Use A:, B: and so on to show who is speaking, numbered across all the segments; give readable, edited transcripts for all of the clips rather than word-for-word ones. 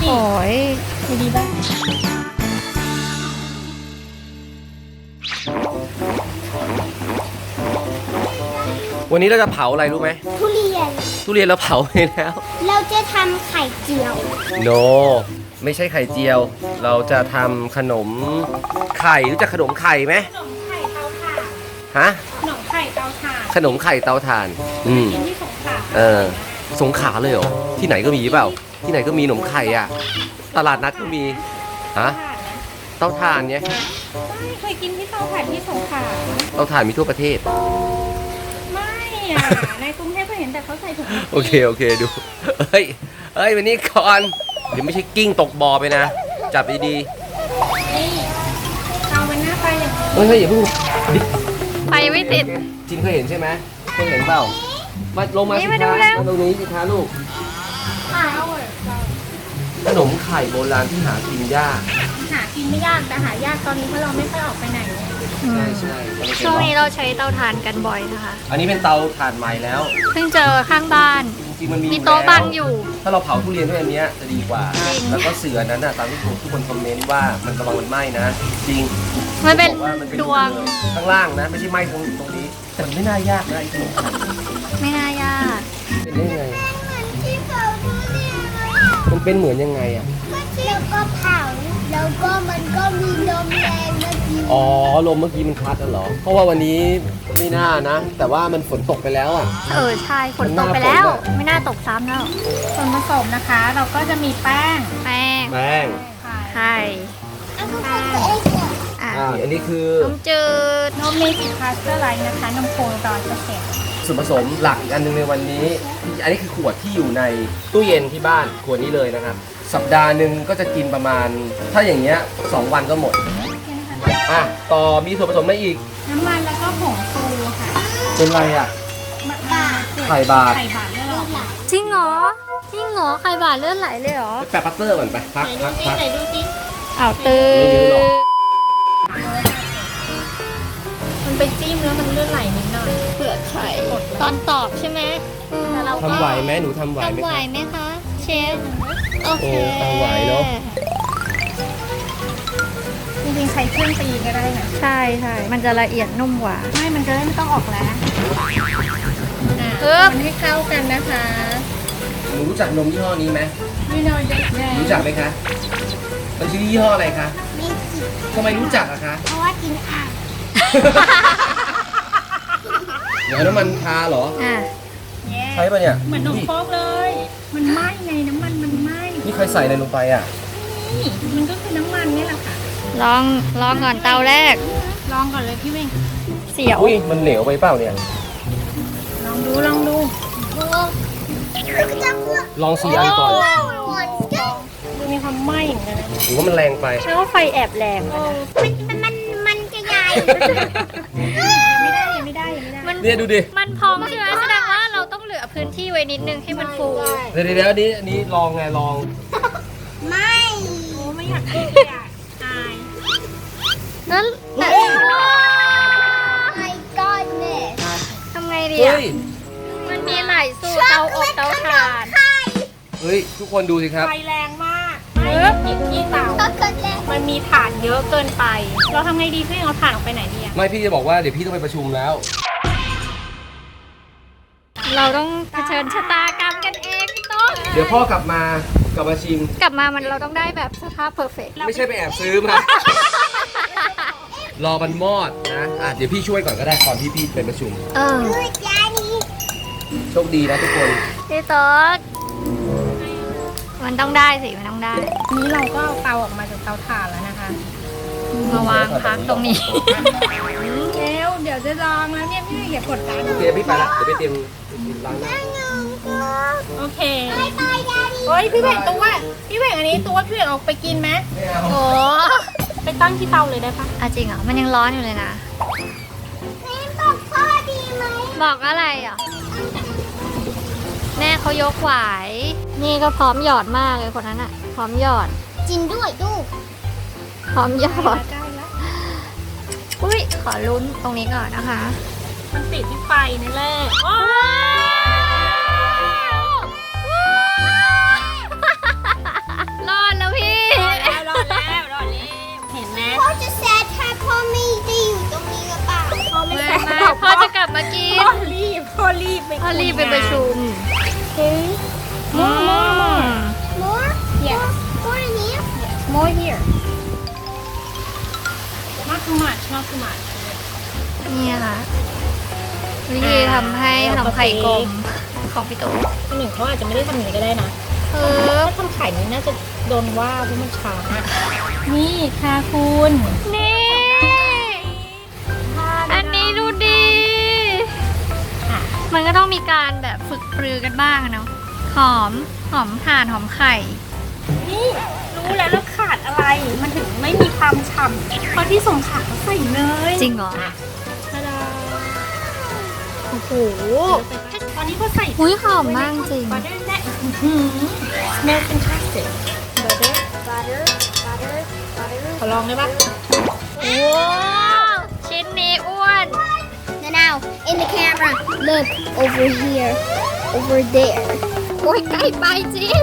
A: โอ้ยดีบ้าง
B: วันนี้เราจะเผาอะไรรู้ไหม
C: ทุเรียน
B: ทุเรียนเราเผาไปแล้ว
C: เราจะทำไข่เจียว
B: โน ไม่ใช่ไข่เจียว เราจะทำขนมไข่รู้จักขนมไข่ไหม
A: ขนมไข่เตาถ่าน
B: ฮะ
A: ขนมไข่เตาถ่าน
B: ขนมไข่เตาถ่าน
A: กินที่สงขลา
B: สงขลาเลยเหรอที่ไหนก็มีเปล่าที่ไหนก็มีขนมไข่อ่ะตลาดนัดก็มีฮะเตาถ่านเนี่ย
A: ไม่เคยกินที่เตาถ่านที่สงขลา
B: เตาถ่านมีทั่วประเทศ
A: ไม่อ่ะในกรุงเทพก็เห็นแต่เขาใส่ถุง
B: โอเคดูเฮ้ยวันนี้ก่อนเดี๋ยวไม่ใช่กิ้งตกบ่อไปนะจับดี
A: นี่เอามันหน้าไปอย่างนี้
B: ๆเฮ้ยอย่าเพิ่ง
A: ไปไม่ติด
B: จินเคยเห็นใช่ไหมเคยเห็นเปล่ามาลงมาสิ
A: นี่
B: คะ
A: มาดูแล้ว
B: มาตรงนี้สิคะลูกขนมไข่โบราณที่หากินยาก
A: หากินไม่ยากแต่หายากตอนนี้เพราะเราไม่ค่อยออกไปไหน
B: ใช่
D: ช่วงนี้เราใช้เตาถ่านกันบ่อยนะคะ
B: อันนี้เป็นเตาถ่านใหม่แล้ว
D: เพิ่งเจอข้างบ้าน
B: จริงๆมันมี
D: มีโต๊ะ
B: แล้ว
D: บังอยู่
B: ถ้าเราเผาทุเรียนด้วยอันเนี้ยจะดีกว่า
D: จริง
B: แล้วก็เสือนั้นน่ะตามที่ทุกคนคอมเมนต์ว่ามันกำลังมันไหม้นะ จริง
D: มันเป็น
B: บอกว่ามันเป็น
D: ดวง
B: ข้างล่างนะ ไม่ใช่ไหม้ตรงนี้แต่มันไม่น่ายากนะไอ้ขนมไข่
D: ไม่น่ายาก
B: เป็นได้ไง
C: ที่เผาทุเรียนเลย
B: มันเป็นเหมือนยังไงอ่ะ
C: แล้วก็เผาแล้วก็มันก็มีลมแรงนะพี่
B: อ๋อลมเมื่อกี้มันพัดอ่ะเหรอ เพราะว่าวันนี้ไม่น่านะ แต่ว่ามันฝนตกไปแล้วอ่ะ
D: ใช่ฝนตกไปแล้ว
B: มันน่าฝนอะ
D: ไม่น่าตกซ้ำแล้ว
A: ส่วนผสมนะคะ เราก็จะมีแป้ง
D: แป้ง
B: แป้ง
D: ไข่
C: เอาก็ทำเองเหรอ
D: อ่ะ
B: อันนี้คือ
D: นมจืด
A: นมเมจิพาสเตอร์ไลท์นะคะนมโค100%
B: ส่วนผสมหลักอีกอันหนึงในวันนี้ อันนี้คือขวดที่อยู่ในตู้เย็นที่บ้านขวดนี้เลยนะครับ สัปดาห์หนึ่งก็จะกินประมาณ ถ้าอย่างเงี้ย2 วันก็หมดต่อมีส่วนผสมอะไรอีก
A: น้ำมันแล้วก็ผงฟูค่ะ
B: เป็นไรอ่ะ ไข่บาท
A: ไข่บาทเลือดออก
D: จริงเหรอไข่บาดเลือดไหลเลยเหรอ
B: แปะปัตเตอร์ก่อนไปพัก
A: ไหนดูสิ
D: อ้าวตื่
B: ไม่เยอะหรอก
A: มันไปจิ้มแล้วมันเลือดไหลนิดหน่อย
D: เปลือกไข่ตอนตอกใช่ไหมแต่เราก็
B: ทำไหวไหมหนูทำไหวไหม
D: ทำไหว
B: คะ
D: ไหมคะ เชฟ โอเค
B: โอ้ทำไหวเนอะ
A: จริงๆใช้เครื่องตีก็ได้นะ
D: ใช่มันจะละเอียดนุ่มกว่า
A: ไม่มันจะได้ไม่ต้องออกแรง
D: ปึ๊บ
A: มันให้เข้ากันนะคะ
B: หนูรู้จักนมยี่ห้อนี้ไหม
A: นี่เราเด็กแดง
B: รู้จักไหมคะมันชื่อยี่ห้ออะไรคะ
C: ไม่จิบ
B: ทำไมรู้จักอะคะ
C: เพราะว่ากินอ่าง
B: เดี๋ยวน้ำมันทาเหรอ
D: อ่ะ
B: ใช่ปะเนี่ย
A: เหมือนนมโป๊กเลย มันไหม้ไงน้ำมันมันไหม้
B: นี่ใครใส่อะไรลงไปอ่ะ
A: นี่มันก็คือน้ำมันนี่แหละค่ะ
D: ลองก่อนเตาแรก
A: ลองก่อนเลยพี่เวง
D: เสียว
B: อุ้ยมันเหลวไปเปล่าเนี่ย
A: ลองดูลองดู
C: โอ้จะพูด
B: ลอง4 อันก่อน
C: หมดก็
A: ดูมีความไหม้เหมือนกันนะ
B: หรือว่ามันแรงไป
D: แล้วาไฟแอบแรงอะนะ
C: มันจะใหญ่
A: ไม่ได้ยังไม่ได้ยังไม่ได้
D: มัน
B: เนี่ยดูดิ
D: มันพองใช่ไหมแสดงว่าเราต้องเหลือพื้นที่ไว้นิดนึงให้มันฟู
B: เดี๋ยวอันนี้ลองไงลอง
C: ไม่
A: โอ้ไม่อยากกินเลยอ่ะอาย
D: นั่นแต่
C: ไม่ก้อนเนี่ย
D: ทำไงดี
B: เฮ้
D: อ่ะ
B: ย
D: มันมีหลายสูตรเตาอบเตาถ่าน
B: เฮ้ย ทุกคนดูสิครับ
A: ไฟแรงมากไม่หยิบที่เตา
C: ช็อกโกแลต
A: มันมีถ่านเยอะเกินไป เราทำไงดีพี่เอาถ่านออกไปไหนดีอ่ะ
B: ไม่พี่จะบอกว่าเดี๋ยวพี่ต้องไปประชุมแล้ว
D: เราต้องเผชิญชะตากรรมกันเองพี่โต้น
B: เดี๋ยวพ่อกลับมาชิม
D: กลับมาเราต้องได้แบบสภาพเพอร์เฟกต์
B: ไม่ใช่ไปแอบซื้อมา รอมันมอดนะเดี๋ยวพี่ช่วยก่อนก็ได้ก่อนที่พี่ไปประชุม
C: ดูจานนี้
B: โชคดีนะทุกคน
D: พี่โต๊ดมันต้องได้สิมันต้องได้
A: นี้เราก็เอาเตาออกมาจากเตาถ่านแล้วนะคะ
D: มาวางพักตรงนี้
A: เดี๋ยวจะลองแล้วเนี่ยพี่อย่ากดดัน
B: โอเคพี่ไปละเดี๋ยวไปเตรียมล้างหน้า
A: โอเค
C: ไปจานนี้
A: เฮ้ยพี่แหวงตัวพี่แหวงอันนี้ตัวพี่แหวงออกไปกินไหม
B: ไม่เอา
D: โอ้
A: ไปตั้งที่เตาเลยได้ปะ
D: จริงเหรอมันยังร้อนอยู่เลยนะ
C: แม่บอกพ่อดีไหม
D: บอกอะไรอ่ะแม่เขายกไหวนี่ก็พร้อมหยอดมากเลยคนนั้นอ่ะ พร้อมหยอด
C: จริงด้วยดู
D: พร้อมหยอด
A: ได้แล้ว
D: อุ้ยขอลุ้นตรงนี้ก่อนนะคะ
A: มันติดที่ไฟนี่แหละโอ้
D: รอมากิน
A: พ่อรีบไป
D: พ่อรีบไปประชุม
A: Okay. More.
C: More?
A: Yes.
C: More in here?
A: More here. Not too much. Not too much.
D: นี่ค่ะวิธีทำให้ขนมไข่กลมของพี่ตู่
A: คนหนึ่งเขาอาจจะไม่ได้ทำอย่างนี้ก็ได้นะ ถ้าทำไข่นี้น่าจะโดนว่าเพราะมันช้านี่ค่ะคุณ
D: นี่ อันนี้ดูดี มันก็ต้องมีการแบบฝึกปรือกันบ้างเนาะ หอมถ่านหอมไข่
A: นี่รู้แล้วแล้วขาดอะไร มันถึงไม่มีความฉ่ำเพราะที่สงขลาเขาใส่เนย
D: จริงเหรอ
A: ทาดา
D: โอ้โห
A: ตอนนี้ก็ใส่
D: หุ้ยหอมมากจริง
A: บัตเตอร์แน่smell fantastic butter
C: Butter.
A: ขอลองได้ปะ
D: ว้าวชิ้นนี้อ้วน
C: Now, in the camera, look over here, over there.
D: โอ้ยใกล้ไปจริง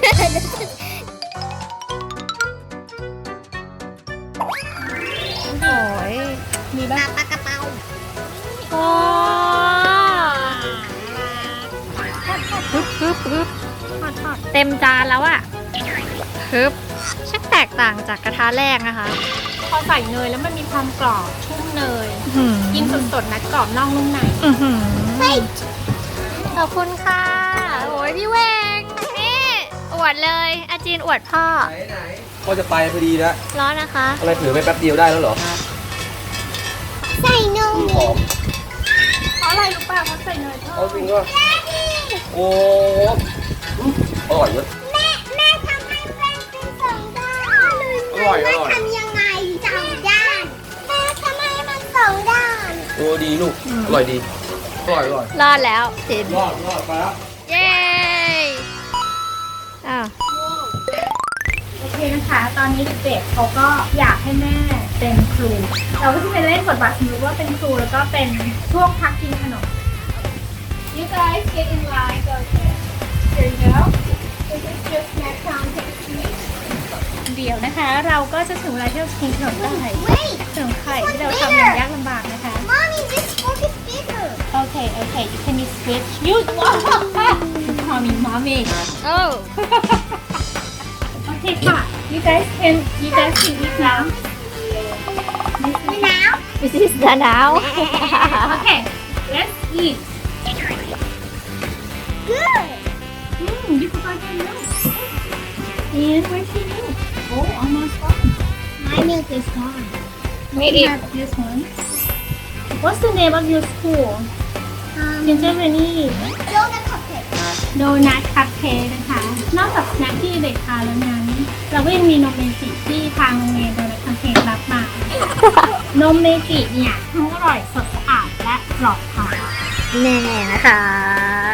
D: โอ้ย
A: มีบ้าง
C: Papakapau.
D: โอ้ฮึบเต็มจานแล้วอะฮึบช่างแตกต่างจากกระทะแรกนะคะ
A: พอใส่เนยแล้วมันมีความกรอบชุ่มเนย
D: อื้อ
A: กินสดๆนะกรอบนอกนุ่มใน
D: อื้อหือขอบคุณค่ะ โอ้ยพี่เวงนี่อวดเลยอาจีนอวดพ่อ
B: ไหนพ่อจะไปพอดีนะ
D: ร้อนนะคะ
B: อะไรถือไปแป๊บเดียวได้แล้วเหรอ
C: Say no
B: หอม
A: เพราะอะไรรู้ป่ะเพราะใส่เนยเพิ่
B: เอา
A: ม
B: จริงก็โอ้อร่อยเยอะ
C: แม่ทำให้เป็นสองด้าน
B: อร่อย
C: ทำยังไงสองด้าน แม่ทำให้มันสองด้าน
B: โอ้ดีลูก อร่อยดี อร่อย
D: รอดแล้วจิน
B: รอดไปแล้ว
D: เย้อ้าว
A: โอเคนะคะ ตอนนี้เด็กๆเขาก็อยากให้แม่เป็นครู เราก็จะไปเล่นบทบาทสมมติว่าเป็นครูแล้วก็เป็นช่วงพักกินขนม You guys get in line. Go here. Here you go. This is just snack time. Take a seat. เดี๋ยวนะคะ เราก็จะถึงเวลาที่เราจะกินขนมได้
C: Wait,
A: ขนมไข่ที่เราทำอย่างยากลำบากนะคะ
C: Mommy, this fork is bigger.
A: Okay, you can switch. You mommy.
D: โอ้
A: Okay, ค่ะ You guys can eat now.
C: Now,
D: this is the now
A: Okay, let's eat.
C: good.
A: You forgot your milk. And where's your milk? Oh, almost gone.
C: My milk is gone.
D: me
A: You have this one. What's the name of your school? Gingerbread
C: Donut cupcake.
A: Donut Cupcake นะคะ นอกจากสแน็คที่เด็กทานแล้วนั้นเราก็ยังมีนมเมจิที่ทางโรงเรียน Donut Cupcake รับมา นมเมจิเนี่ยทั้งอร่อยสดสะอาดและปลอดภัย
D: แน่นะคะ